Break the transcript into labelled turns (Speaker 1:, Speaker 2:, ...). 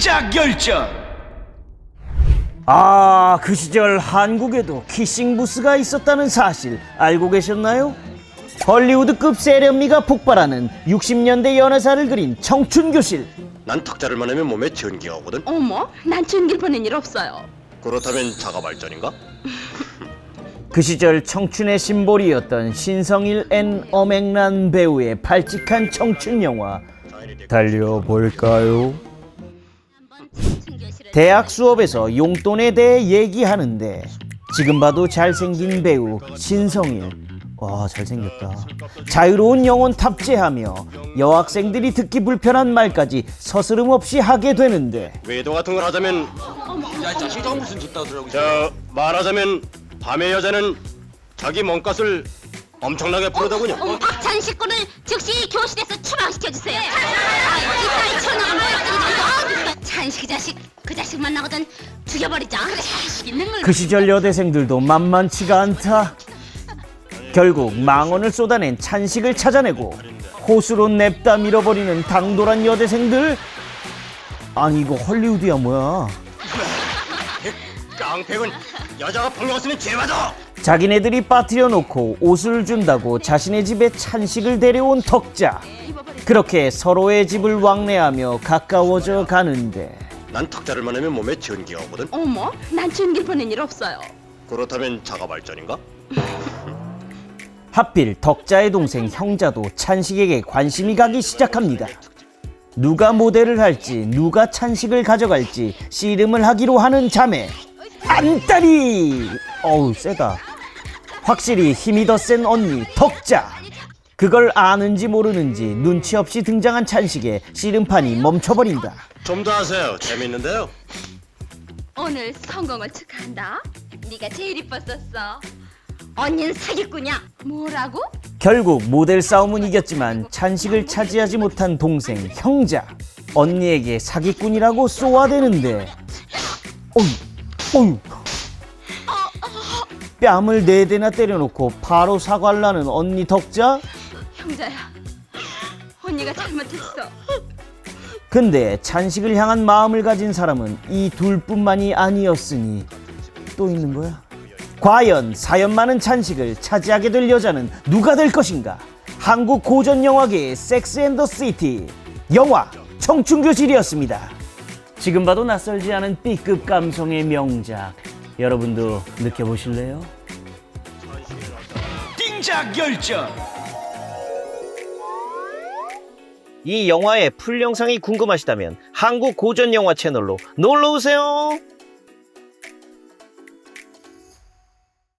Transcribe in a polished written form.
Speaker 1: 띵작 열전.
Speaker 2: 아, 그 시절 한국에도 키싱 부스가 있었다는 사실 알고 계셨나요? 헐리우드급 세련미가 폭발하는 60년대 연애사를 그린 청춘교실.
Speaker 3: 난 탁자를 만나면 몸에 전기가 오거든.
Speaker 4: 어머, 난 챙길 뻔한 일 없어요.
Speaker 3: 그렇다면 자가 발전인가?
Speaker 2: 그 시절 청춘의 심볼이었던 신성일 앤 엄앵란 배우의 발칙한 청춘 영화 달려볼까요? 대학 수업에서 용돈에 대해 얘기하는데 지금 봐도 잘생긴 배우 신성일, 와 잘생겼다, 자유로운 영혼 탑재하며 여학생들이 듣기 불편한 말까지 서스름 없이 하게 되는데,
Speaker 3: 외도 같은 걸 하자면,
Speaker 1: 야, 자식 저거 무슨 짓다 들어오고.
Speaker 3: 말하자면 밤의 여자는 자기 몸값을 엄청나게 부르더군요.
Speaker 4: 박찬 식구를 즉시 교실에서 추방시켜주세요. 찬식이 자식, 그 자식 만나거든 죽여버리자. 그래, 자식 있는 걸.
Speaker 2: 그 시절 여대생들도 만만치가 않다. 결국 망언을 쏟아낸 찬식을 찾아내고 호수로 냅다 밀어버리는 당돌한 여대생들. 아니 이거 헐리우드야 뭐야.
Speaker 3: 깡패군, 여자가 폭력 쓰면 죄 맞아.
Speaker 2: 자기네들이 빠뜨려 놓고 옷을 준다고 자신의 집에 찬식을 데려온 덕자. 그렇게 서로의 집을 왕래하며 가까워져 가는데,
Speaker 3: 난 탁자를 만나면 몸에 전기가 오거든.
Speaker 4: 어머, 난 챙길 뻔한 일 없어요.
Speaker 3: 그렇다면 자가 발전인가?
Speaker 2: 하필 덕자의 동생 형자도 찬식에게 관심이 가기 시작합니다. 누가 모델을 할지, 누가 찬식을 가져갈지 씨름을 하기로 하는 자매 안따리. 어우 세다. 확실히 힘이 더 센 언니 덕자. 그걸 아는지 모르는지 눈치 없이 등장한 찬식에 씨름판이 멈춰버린다.
Speaker 3: 좀 더 하세요. 재밌는데요.
Speaker 4: 오늘 성공을 축하한다. 네가 제일 이뻤었어. 언니는 사기꾼이야. 뭐라고?
Speaker 2: 결국 모델 싸움은 이겼지만 찬식을 차지하지 못한 동생 형자. 언니에게 사기꾼이라고 쏘아대는데, 어휴, 뺨을 4대나 때려놓고 바로 사과를 하는 언니 덕자?
Speaker 4: 형자야, 언니가 잘못했어.
Speaker 2: 근데 찬식을 향한 마음을 가진 사람은 이 둘뿐만이 아니었으니 또 있는 거야? 과연 사연 많은 찬식을 차지하게 될 여자는 누가 될 것인가? 한국 고전 영화계의 섹스 앤 더 시티, 영화 청춘교실이었습니다. 지금 봐도 낯설지 않은 B급 감성의 명작, 여러분도 느껴보실래요?
Speaker 1: 띵작 열전.
Speaker 2: 이 영화의 풀 영상이 궁금하시다면 한국 고전 영화 채널로 놀러오세요.